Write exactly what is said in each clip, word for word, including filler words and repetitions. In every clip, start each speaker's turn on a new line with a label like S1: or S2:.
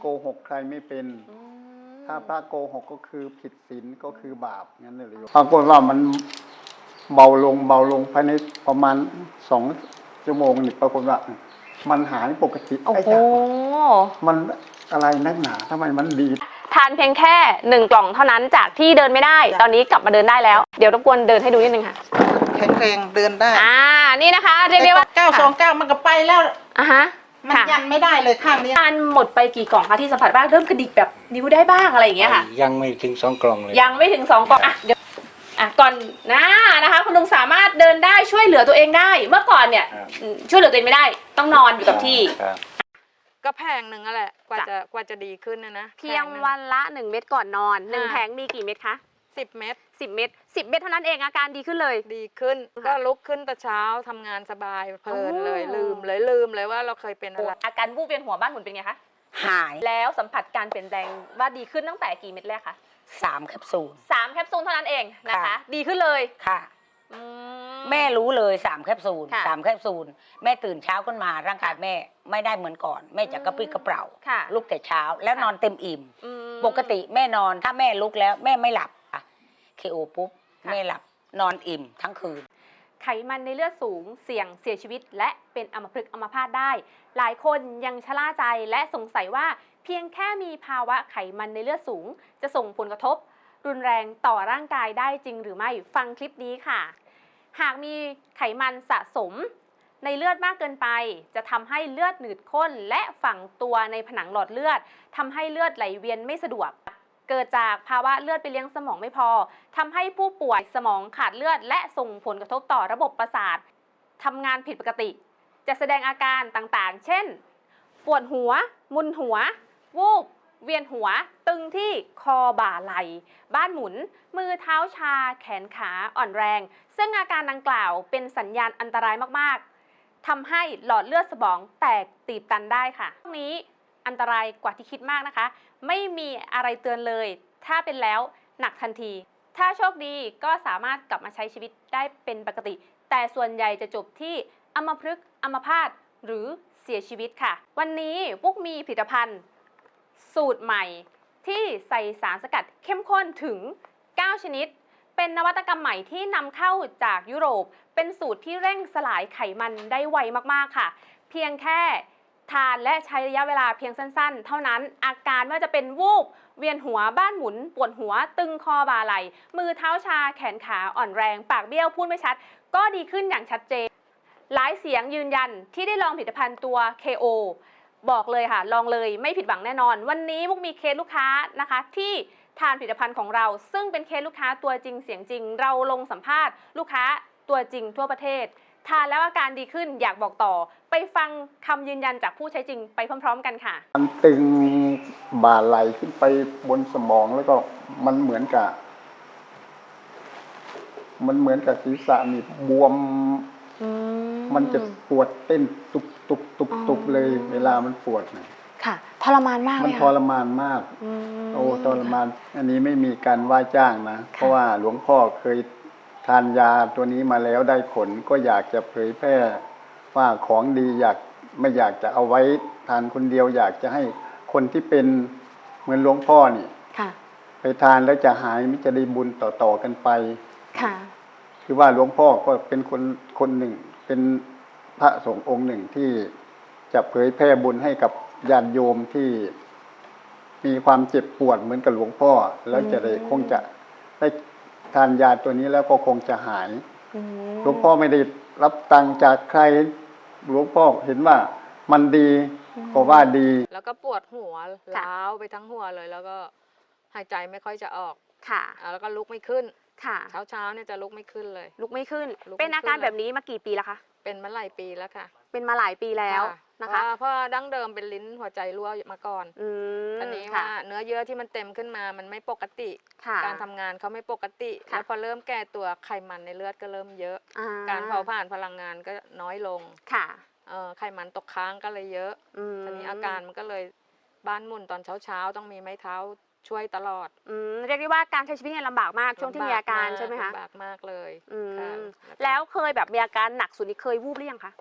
S1: โกหกใครไม่เป็นถ้าพระโกหกก็คือผิดศีลก็คือบาปงั้นเลยปรากฏว่ามันเบาลงเบาลงภายในประมาณสองชั่วโมงนี่ปรากฏว่ามันหายปกติไอ้จ้ะมันอะไรนักหนาทำไมมันดี
S2: ทานเพียงแค่หนึ่งกล่องเท่านั้นจากที่เดินไม่ได้ตอนนี้กลับมาเดินได้แล้วเดี๋ยวรบกวนเดินให้ดูนิดนึงค่ะ
S3: แข็งแรงเดินได้
S2: อ่านี่นะคะเรียกได้ว่า
S3: เก้าสองเก้ามันก็ไปแล้ว
S2: อ่ะฮะ
S3: มันยันไม่ได้เลยข้างนี้
S2: ทานหมดไปกี่กล่องคะที่สัมผัสบ้างเริ่มกระดิกแบบนิ้วได้บ้างอะไรอย่างเงี้ยค่ะ
S4: ยังไม่ถึงสองกล่องเลย
S2: ยังไม่ถึงสองกล่องอ่ะเดี๋ยวอ่ะก่อนนะนะคะคุณลุงสามารถเดินได้ช่วยเหลือตัวเองได้เมื่อก่อนเนี่ยช่วยเหลือตัวเองไม่ได้ต้องนอนอยู่กับที่
S5: ก็แพงหนึ่งนั่นแหละกว่าจะกว่าจะดีขึ้นนะนะ
S2: เพียงวันละหนึ่งเม็ดก่อนนอนหนึ่งแผงมีกี่เม็ดคะ
S5: สิบเม็ด
S2: สิบเม็ดสิบเม็ดเท่านั้นเองอาการดีขึ้นเลย
S5: ดีขึ้นก็ลุกขึ้นแต่เช้าทำงานสบายเพลินเลยลืมเลยลืมเลยว่าเราเคยเป็นอะไร
S2: อาการวูบเวียนหัวบ้านหมุนเป็นไงคะ
S3: หาย
S2: แล้วสัมผัสการเปลี่ยนแปลงว่าดีขึ้นตั้งแต่กี่เม็ดแรกคะ
S3: สามแคปซูล
S2: สามแคปซูลเท่านั้นเองนะคะดีขึ้นเลย
S3: ค่ะแม่รู้เลยสามแคปซูลสามแคปซูลแม่ตื่นเช้าขึ้นมาร่างกายแม่ไม่ได้เหมือนก่อนแม่จะกระปรี้กระเปร่าลุกแต่เช้าแล้วนอนเต็มอิ่มปกติแม่นอนถ้าแม่ลุกแล้วแม่ไม่หลับเคโอปุ๊บแม่หลับนอนอิ่มทั้งคืน
S2: ไขมันในเลือดสูงเสี่ยงเสียชีวิตและเป็นอัมพฤกษ์อัมพาตได้หลายคนยังชะล่าใจและสงสัยว่าเพียงแค่มีภาวะไขมันในเลือดสูงจะส่งผลกระทบรุนแรงต่อร่างกายได้จริงหรือไม่ฟังคลิปนี้ค่ะหากมีไขมันสะสมในเลือดมากเกินไปจะทำให้เลือดหนืดข้นและฝังตัวในผนังหลอดเลือดทำให้เลือดไหลเวียนไม่สะดวกเกิดจากภาวะเลือดไปเลี้ยงสมองไม่พอทำให้ผู้ป่วยสมองขาดเลือดและส่งผลกระทบต่อระบบประสาททำงานผิดปกติจะแสดงอาการต่างๆเช่นปวดหัวมึนหัววูบเวียนหัวตึงที่คอบ่าไหล่บ้านหมุนมือเท้าชาแขนขาอ่อนแรงซึ่งอาการดังกล่าวเป็นสัญญาณอันตรายมากๆทำให้หลอดเลือดสมองแตกตีบตันได้ค่ะพวกนี้อันตรายกว่าที่คิดมากนะคะไม่มีอะไรเตือนเลยถ้าเป็นแล้วหนักทันทีถ้าโชคดีก็สามารถกลับมาใช้ชีวิตได้เป็นปกติแต่ส่วนใหญ่จะจบที่อัมพฤกษ์อัมพาตหรือเสียชีวิตค่ะวันนี้ปุ๊กมีผลิตภัณฑ์สูตรใหม่ที่ใส่สารสกัดเข้มข้นถึงเก้าชนิดเป็นนวัตกรรมใหม่ที่นำเข้าจากยุโรปเป็นสูตรที่เร่งสลายไขมันได้ไวมากๆค่ะเพียงแค่ทานและใช้ระยะเวลาเพียงสั้นๆเท่านั้นอาการไม่ว่าจะเป็นวูบเวียนหัวบ้านหมุนปวดหัวตึงคอบ่าไหล่มือเท้าชาแขนขาอ่อนแรงปากเบี้ยวพูดไม่ชัดก็ดีขึ้นอย่างชัดเจนหลายเสียงยืนยันที่ได้ลองผลิตภัณฑ์ตัว เค โอ บอกเลยค่ะลองเลยไม่ผิดหวังแน่นอนวันนี้มุกมีเคสลูกค้านะคะที่ทานผลิตภัณฑ์ของเราซึ่งเป็นเคสลูกค้าตัวจริงเสียงจริงเราลงสัมภาษณ์ลูกค้าตัวจริงทั่วประเทศทานแล้วอาการดีขึ้นอยากบอกต่อไปฟังคำยืนยันจากผู้ใช้จริงไปพร้อมๆกันค่ะ
S1: มันตึงบ่าไหลขึ้นไปบนสมองแล้วก็มันเหมือนกับมันเหมือนกับศีรษะนี่บวมมันจะปวดเต้นตุบตุบตุบตุบเลยเวลามันปวดนะ
S2: ค่ะทรมานมาก
S1: มันทรมานมากโอ้ทรมานอันนี้ไม่มีการว่าจ้างนะเพราะว่าหลวงพ่อเคยทานยาตัวนี้มาแล้วได้ผลก็อยากจะเผยแพร่ว่าของดีอยากไม่อยากจะเอาไว้ทานคนเดียวอยากจะให้คนที่เป็นเหมือนหลวงพ่อนี่ไปทานแล้วจะหายมิจะได้บุญต่อๆกันไปคือว่าหลวงพ่อก็เป็นคนคนหนึ่งเป็นพระสงฆ์องค์หนึ่งที่จะเผยแพร่บุญให้กับญาติโยมที่มีความเจ็บปวดเหมือนกับหลวงพ่อแล้วจะได้คงจะได้ทานยาตัวนี้แล้วก็คงจะหายหลวงพ่อไม่ได้รับตังค์จากใครหลวงพ่อเห็นว่ามันดีก็ว่าดี
S5: แล้วก็ปวดหัวล้าวไปทั้งหัวเลยแล้วก็หายใจไม่ค่อยจะออกค่ะแล้วก็ลุกไม่ขึ้นค่ะเช้าเช้าเนี่ยจะลุกไม่ขึ้นเลย
S2: ลุกไม่ขึ้นเป็นอาการแบบนี้มากี่ปีแล้วคะ
S5: เป็นมาหลายปีแล้วค่ะ
S2: เป็นมาหลายปีแล้วนะคะ
S5: เพราะดั้งเดิมเป็นลิ้นหัวใจรั่วมาก่อนตอนนี้ว่าเนื้อเยื่อที่มันเต็มขึ้นมามันไม่ปกติการทำงานเขาไม่ปกติแล้วพอเริ่มแก่ตัวไขมันในเลือดก็เริ่มเยอะการเผาผลาญพลังงานก็น้อยลงค่ะไขมันตกค้างก็เลยเยอะตอนนี้อาการมันก็เลยบ้านหมุนตอนเช้าเช้าต้องมีไม้เท้าช่วยตลอด
S2: เรียกได้ว่าการใช้ชีวิตเนี่ยลำบากมากช่วงที่มีอาการใช่ไหมคะ
S5: ลำบากมากเลย
S2: แล้วเคยแบบมีอาการหนักสุดนี่เคยวูบหรือยังคะ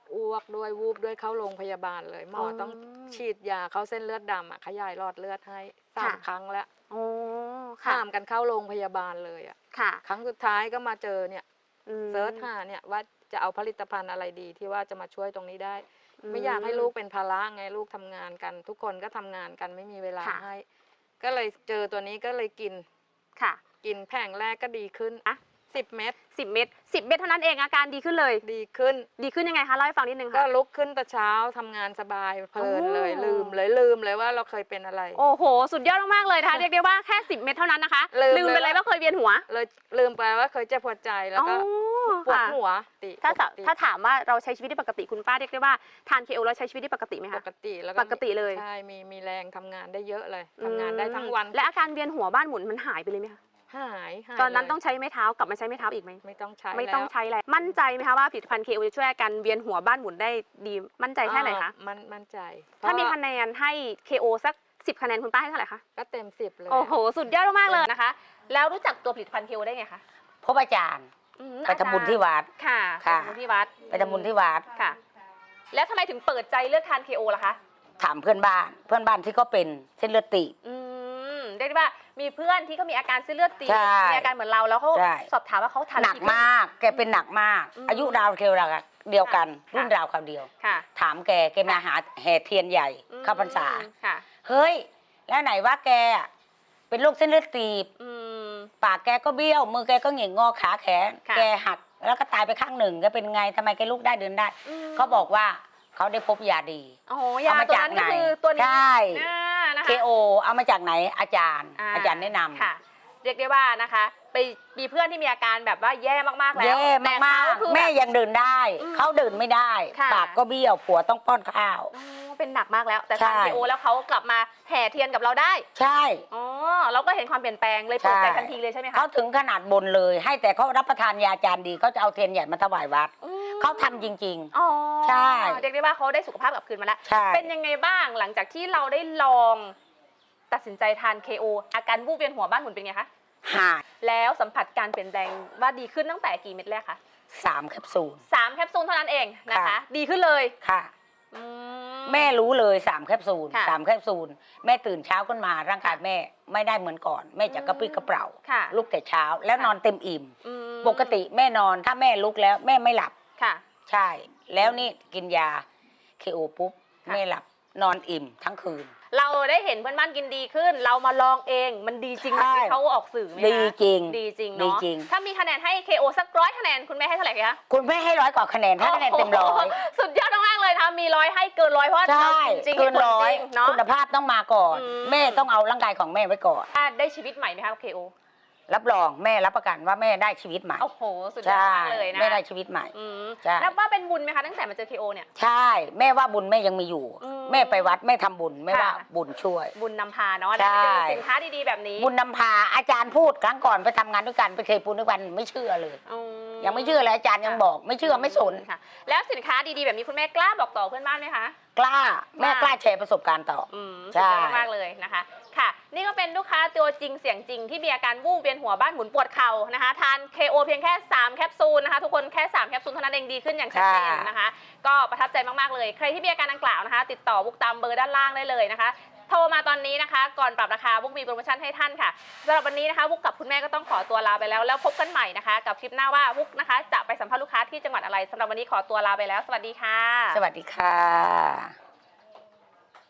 S5: อ้วกด้วยวูบด้วยเข้าโรงพยาบาลเลยหมออ
S2: อ
S5: ต้องฉีดยาเข้าเส้นเลือดดำอะขยายหลอดเลือดให้สาม
S2: ค่ะ
S5: ครั้งแล้ว
S2: โอ้ค่ะ
S5: ข้ามกันเข้าโรงพยาบาลเลยอะ
S2: ค่ะ
S5: ครั้งสุดท้ายก็มาเจอเนี่ย
S2: อืม
S5: เซิร์ชหาเนี่ยว่าจะเอาผลิตภัณฑ์อะไรดีที่ว่าจะมาช่วยตรงนี้ได้ ไม่อยากให้ลูกเป็นภาระไงลูกทำงานกัน ทุกคนก็ทำงานกันไม่มีเวลา
S2: ค่ะ
S5: ให้ ก็เลยเจอตัวนี้ก็เลยกิน
S2: ค่ะ
S5: กินแผงแรกก็ดีขึ้น
S2: อะ
S5: สิบเม็ด
S2: สิบเม็ดสิบเม็ดเท่านั้นเองอาการดีขึ้นเลย
S5: ดีขึ้น
S2: ดีขึ้นยังไงคะเล่าให้ฟังนิดนึง
S5: ก็
S2: ค่ะ
S5: ลุกขึ้นแต่เช้าทำงานสบายเพลินเลย
S2: โอ้
S5: ลืมเลยลืมเลยว่าเราเคยเป็นอะไร
S2: โอ้โห สุดยอดมากๆเลยนะคะ เรียกได้ว่าแค่สิบเม็ดเท่านั้นนะคะ
S5: ลืม
S2: ไปเลยว่าเคยเวียนหัว
S5: เลยลืมไปว่าเคยเจ็บปวดใจแล้วก็
S2: อ๋อ
S5: ปวด
S2: ค่ะ
S5: หัวติ
S2: ถ้า
S5: ปกติ
S2: ถ้าถามว่าเราใช้ชีวิตได้ปกติคุณป้าเรียกได้ว่าทานเคโอแล้วใช้ชีวิตได้ปกติไหม
S5: ป
S2: คะ
S5: กติแล้ว
S2: ปกติเลย
S5: ใช่มีมีแรงทำงานได้เยอะเลยทำงานได้ทั้งวัน
S2: และอาการเวียนหัวบ้านหมุนมันหายไปเลยไหมคะ
S5: หายหาย
S2: ตอนนั้น
S5: เลย
S2: ต้องใช้ไม้เท้ากลับมาใช้ไม้เท้าอีกไหม
S5: ไม่ต้องใช้
S2: ไม่ต้อง
S5: แล้ว
S2: ใช้แล้วมั่นใจไหมคะว่าผลิตภัณฑ์เคโอจะช่วยอาการเวียนหัวบ้านหมุนได้ดีมั่นใจแค่ไหนคะ
S5: อ่ามันมั่นใจ
S2: ถ้ามี
S5: เพระ
S2: คะแนนให้ เค โอ สักสิบคะแนนคุณป้าให้เท่าไหร่คะ
S5: ก็เต็มสิบเลย
S2: โอ้โห สุดยอดมากๆเลยนะคะ แล้วรู้จักตัวผลิตภัณฑ์ เค โอ ได้ไงคะ
S3: พบอาจารย์
S2: อืม
S3: ไปทำบุญที่วัด
S2: ค่ะ
S3: ค่ะ
S2: ไปทำบุญที่วัด
S3: ไปทำบุญที่วัด
S2: ค่ะ แล้วทำไมถึงเปิดใจเลือกทาน เค โอ ล่ะคะ
S3: ถามเพื่อนบ้าน เพื่อนบ้านที่ก็เป็นเส้นเลือดตีบ
S2: อืมเรียกได้ว่ามีเพื่อนที่เขามีอาการเส้นเลือดตีบ
S3: ใช่
S2: มีอาการเหมือนเราแล้วเขา
S3: ใช่
S2: สอบถามว่าเขาทาน
S3: หนัก
S2: ดีขึ้
S3: มาก แกเป็นหนักมาก
S2: อืม
S3: อายุราวเคียวราวเดียวกัน
S2: ค่ะ
S3: รุ่นราวคราวเดียว
S2: ค่ะ
S3: ถามแก แกมาหาแห่เทียนใหญ่
S2: อืม
S3: เข้าพรรษา
S2: ค่ะ
S3: เฮ้ย แล้วไหนว่าแกอะเป็นโรคเส้นเลือดตีบ
S2: อืม
S3: ปากแกก็เบี้ยว มือแกก็เหง่งงอขาแขน
S2: ค่ะ
S3: แกหัก แล้วก็ตายไปข้างหนึ่งแกเป็นไงทำไมแกลุกได้เดินได้
S2: อืม
S3: เขาบอกว่าเขาได้พบยาดี
S2: โอ้โหยา
S3: เอามา
S2: ตัว
S3: จาก
S2: นั้นก็
S3: ไหน
S2: คือตัวนี้
S3: ใช่
S2: อ่านะคะ
S3: เค โอ เอามาจากไหนอาจารย์ อาจารย์แนะนำ
S2: ค่ะ เรียกได้ว่านะคะไปมีเพื่อนที่มีอาการแบบว่าแย่มากๆแล้ว
S3: แย่
S2: แต่
S3: มาก
S2: เขคือ
S3: ๆแม่
S2: บบ
S3: ยังเดินได้
S2: อืม
S3: เขาเดินไม่ได้
S2: ค่ะ
S3: ปากก็เบี้ยวผัวต้องป้อนข้าว
S2: อ๋อเป็นหนักมากแล้ว แต่
S3: ใช่
S2: ทาน เค โอ แล้วเขากลับมาแห่เทียนกับเราได้
S3: ใช่
S2: อ๋อเราก็เห็นความเปลี่ยนแปลงเลยเปิดใจ
S3: ใช่
S2: ทันทีเลยใช่ไหมคะ
S3: เขาถึงขนาดบนเลย ให้แต่เขารับประทานยาจานดีเขาจะเอาเทียนใหญ่มาถวายวัด
S2: อืม
S3: เขาทำจริง
S2: อ๋อ
S3: ใช่
S2: เรียกได้ว่าเขาได้สุขภาพกลับคืนมาแล้ว
S3: ๆ ใช่
S2: เป็นยังไงบ้างหลังจากที่เราได้ลอง ตัดสินใจทาน เค โอ อาการวูบเวียนหัวบ้านหมุนเป็นไงคะ
S3: หาย
S2: แล้วสัมผัสการเปลี่ยนแปลงว่าดีขึ้นตั้งแต่กี่เม็ดแรกคะ
S3: สามแคปซูล
S2: สามแคปซูลเท่านั้นเองนะคะ
S3: ค่ะ
S2: ดีขึ้นเลย
S3: ค่ะ
S2: อื
S3: แม่รู้เลยสามแคปซูล
S2: ค่ะ
S3: สามแคปซูลแม่ตื่นเช้าขึ้นมาร่างกายแม่ไม่ได้เหมือนก่อน แม่จะกระปรี้กระเปร่า
S2: ค่ะ
S3: ลุกแต่เช้าแล้ว
S2: ค่ะ
S3: นอนเต็มอิ่ม
S2: อืม
S3: ปกติแม่นอนถ้าแม่ลุกแล้วแม่ไม่หลับ
S2: ค่ะ
S3: ใช่ แล้วนี่กินยาเคโอปุ๊บ
S2: ค่ะ
S3: แม่หลับนอนอิ่มทั้งคืน
S2: เราได้เห็นเพื่อนบ้านกินดีขึ้น เรามาลองเองมันดีจริงไหม
S3: ใช่
S2: ที่เขาออกสื่อไหมคะ
S3: ดีจริง
S2: ดีจริง
S3: ดี
S2: เนาะ
S3: จริง
S2: ถ้ามีคะแนนให้ เค โอ สักร้อยคะแนนคุณแม่ให้เท่าไหร่คะ
S3: คุณแม่ให้ร้อยกว่าคะแนนถ้าคะแนนเต็มร้อย
S2: โโหสุดยอดมากๆเลยนะคะมีร้อยให้เกินร้อยเพราะว่า
S3: ใช่
S2: เราจริงๆ
S3: เกิน
S2: ห็ผล
S3: ร้อย
S2: จงเนาะ
S3: คุณภาพต้องมาก่อน
S2: อืม
S3: แม่ต้องเอาร่างกายของแม่ไว้ก่อน
S2: ได้ชีวิตใหม่ไหมคะ เค โอ
S3: รับรองแม่รับประกันว่าแม่ได้ชีวิตใหม่
S2: โอ้โหสุดยอด
S3: ใช่
S2: มากเลยนะ
S3: แม่ได้ชีวิตใหม่
S2: อืม
S3: ใช่
S2: นับว่าเป็นบุญไหมคะตั้งแต่มาเจอ เค โอ เนี่ย
S3: ใช่ แม่ว่าบุญแม่ยังมีอยู่
S2: อืม
S3: แม่ไปวัดแม่ทำบุญแม่ว่า
S2: ค่ะ
S3: บุญช่วย
S2: บุญนำพาเนาะ
S3: ใช่
S2: ได้ไปเจอสินค้าดีๆแบบนี้
S3: บุญนำพาอาจารย์พูดครั้งก่อนไปทำงานด้วยกันไปเคยปูนด้วยกันไม่เชื่อเลย
S2: อื
S3: ยังไม่เชื่อเลยอาจารย์ยังบอกไม่เชื่อไม่สน
S2: ค่ะ แล้วสินค้าดีๆแบบนี้คุณแม่กล้าบอกต่อเพื่อนบ้านไหมคะ
S3: กล้าแม่กล้าแชร์ประสบการณ์ต่อ
S2: อืม
S3: ใช่
S2: สุดยอดมากๆเลยนะคะ ค่ะ นี่ก็เป็นลูกค้าตัวจริงเสียงจริงที่มีอาการวูบเวียนหัวบ้านหมุนปวดเข่านะคะ ทาน เค โอ เพียงแค่สามแคปซูลนะคะ ทุกคนแค่สามแคปซูลเท่านั้นเองดีขึ้นอย่างชัดเจนนะคะ ก็ประทับใจมากๆเลย ใครที่มีอาการดังกล่าวนะคะ ติดต่อบุกตามเบอร์ด้านล่างได้เลยนะคะ โทรมาตอนนี้นะคะ ก่อนปรับราคาบุกมีโปรโมชั่นให้ท่านค่ะสำหรับวันนี้นะคะบุกกับคุณแม่ก็ต้องขอตัวลาไปแล้วแล้วพบกันใหม่นะคะ กับคลิปหน้าว่าบุกนะคะ จะไปสัมภาษณ์ลูกค้าที่จังหวัดอะไรสำหรับวันนี้ขอตัวลาไปแล้วสวัสดีค่ะ
S3: สวัสดีค่ะ